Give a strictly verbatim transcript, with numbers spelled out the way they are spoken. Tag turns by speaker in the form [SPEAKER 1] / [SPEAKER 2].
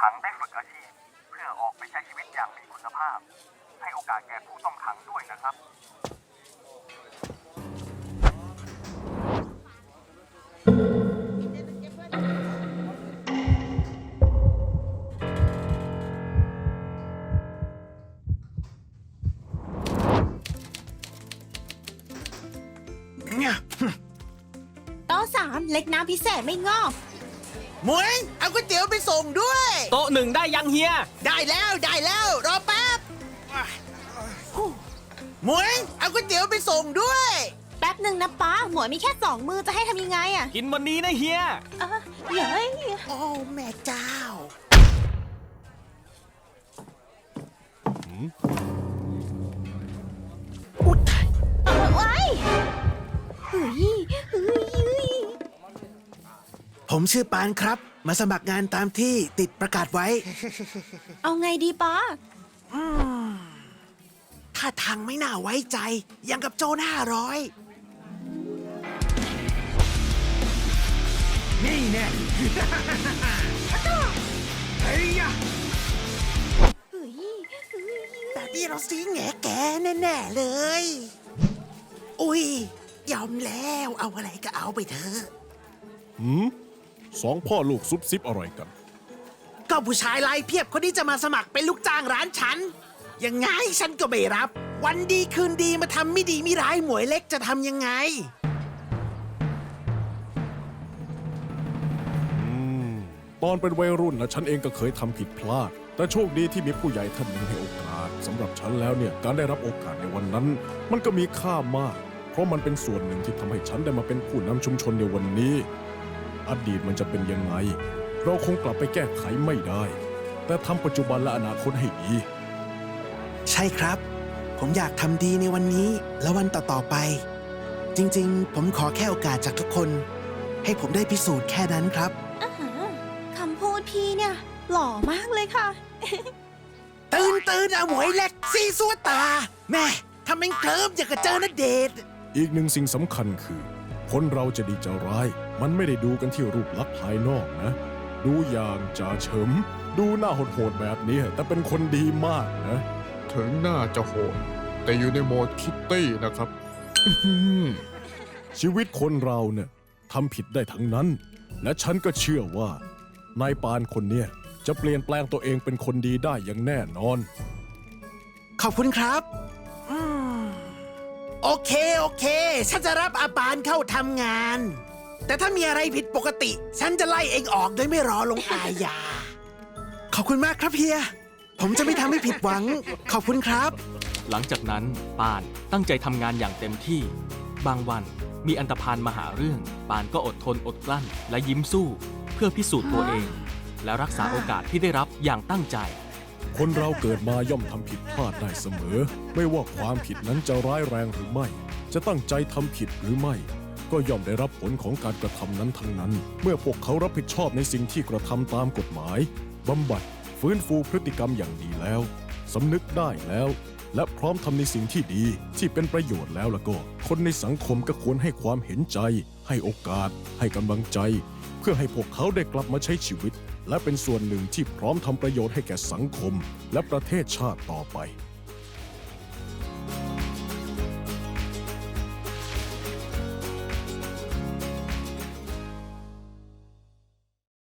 [SPEAKER 1] ขังได้ฝึกอาชีพเพื่อออกไปใช้ชีวิตอย่างมีคุณภาพให้โอกาสแก่ผู้ต้องขังด้วยนะครับ
[SPEAKER 2] โต๊ะสามเล็กน้ำพิเศษไม่งอก
[SPEAKER 3] หมวยเอาก๋วยเตี๋ยวไปส่งด้วย
[SPEAKER 4] โต๊ะหนึ่งได้ยังเฮีย
[SPEAKER 3] ได้แล้วได้แล้วรอแป๊บหมวยเอาก๋วยเตี๋ยวไปส่งด้วย
[SPEAKER 2] แป๊บหนึ่งนะป้าหมวยมีแค่สองมือจะให้ทำยังไงอะ
[SPEAKER 4] กินวันนี้นะเฮีย
[SPEAKER 2] เออเฮ้ย
[SPEAKER 3] โอ้แม่เจ้าอุ๊ยตาย
[SPEAKER 2] เออไว้เฮ้ยเฮ้ยเฮ้ย
[SPEAKER 3] ผมชื่อปานครับ มาสมัครงานตามที่ติดประกาศไว้
[SPEAKER 2] เอาไงดีป้า
[SPEAKER 3] ถ้าทางไม่น่าไว้ใจยังกับโจรห้าร้อยนี่แน่เฮ้ย
[SPEAKER 2] เฮ้ยเฮ้ย
[SPEAKER 3] แบบนี้เราซีแง่แกแน่ๆเลย อุ้ยยอมแล้วเอาอะไรก็เอาไปเถอะ
[SPEAKER 5] หืมสองพ่อลูกซุบซิบอะไรกัน
[SPEAKER 3] ก็ผู้ชายลายเพียบคนนี้จะมาสมัครเป็นลูกจ้างร้านฉัน ยังไงฉันก็ไม่รับ วันดีคืนดีมาทำไม่ดีไม่ร้ายหมวยเล็กจะทำยังไง
[SPEAKER 5] อืม ตอนเป็นวัยรุ่นนะฉันเองก็เคยทำผิดพลาด แต่โชคดีที่มีผู้ใหญ่ท่านหนึ่งให้โอกาสสำหรับฉันแล้วเนี่ยการได้รับโอกาสในวันนั้น มันก็มีค่ามาก เพราะมันเป็นส่วนหนึ่งที่ทำให้ฉันได้มาเป็นผู้นำชุมชนในวันนี้ อดีตมันจะเป็นยังไง เราคงกลับไปแก้ไขไม่ได้ แต่ทำปัจจุบันและอนาคตให้ดี
[SPEAKER 3] ใช่ครับ ผมอยากทำดีในวันนี้และวันต่อๆไป จริงๆ ผมขอแค่โอกาสจากทุกคน ให้ผมได้พิสูจน์แค่นั้นครับ
[SPEAKER 2] อ่าฮะคำพูดพี่เนี่ย หล่อมากเลยค่ะ
[SPEAKER 3] ตื่นตื่นเอาหมวยเล็กซีซัวตา แม่ทำเป็นเคลิ้มอย่างกับเจอณเดชน์
[SPEAKER 5] อีกหนึ่งสิ่งสำคัญคือ คนเราจะดีจะร้าย มันไม่ได้ดูกันที่รูปลักษณ์ภายนอกนะ ดูอย่างจ่าเฉิม ดูหน้าโหดๆแบบนี้แต่เป็นคนดีมากนะ
[SPEAKER 6] ถึงหน้าจะโหดแต่อยู่ในโหมดคิตตี้นะครับ
[SPEAKER 5] ชีวิตคนเราเนี่ยทำผิดได้ทั้งนั้น และฉันก็เชื่อว่านายปานคนเนี้ยจะเปลี่ยนแปลงตัวเองเป็นคนดีได้อย่างแน่นอน
[SPEAKER 3] ขอบคุณครับอืมโอเค โอเค ฉันจะรับอาปานเข้าทำงาน แต่ถ้ามีอะไรผิดปกติ ฉันจะไล่เองออกโดยไม่รอลงอาญา ขอบคุณมากครับเฮีย ผมจะไม่ทำให้ผิดหวัง ขอบคุณครับ
[SPEAKER 4] หลังจากนั้นปานตั้งใจทำงานอย่างเต็มที่ บางวันมีอันธพาลมาหาเรื่อง ปานก็อดทนอดกลั้นและยิ้มสู้ เพื่อพิสูจน์ตัวเอง และรักษาโอกาสที่ได้รับอย่างตั้งใจ
[SPEAKER 5] คนเราเกิดมาย่อมทำผิดพลาดได้เสมอ ไม่ว่าความผิดนั้นจะร้ายแรงหรือไม่ จะตั้งใจทำผิดหรือไม่ ก็ย่อมได้รับผลของการกระทำนั้นทั้งนั้น เมื่อพวกเขารับผิดชอบในสิ่งที่กระทำตามกฎหมายบำบัดฟื้นฟูพฤติกรรมอย่างดีแล้วสำนึกได้แล้ว และพร้อมทำในสิ่งที่ดีที่เป็นประโยชน์แล้วแล้วก็ คนในสังคมก็ควรให้ความเห็นใจ ให้โอกาส ให้กำลังใจ เพื่อให้พวกเขาได้กลับมาใช้ชีวิต และเป็นส่วนหนึ่งที่พร้อมทำประโยชน์ให้แก่สังคม และประเทศชาติต่อไป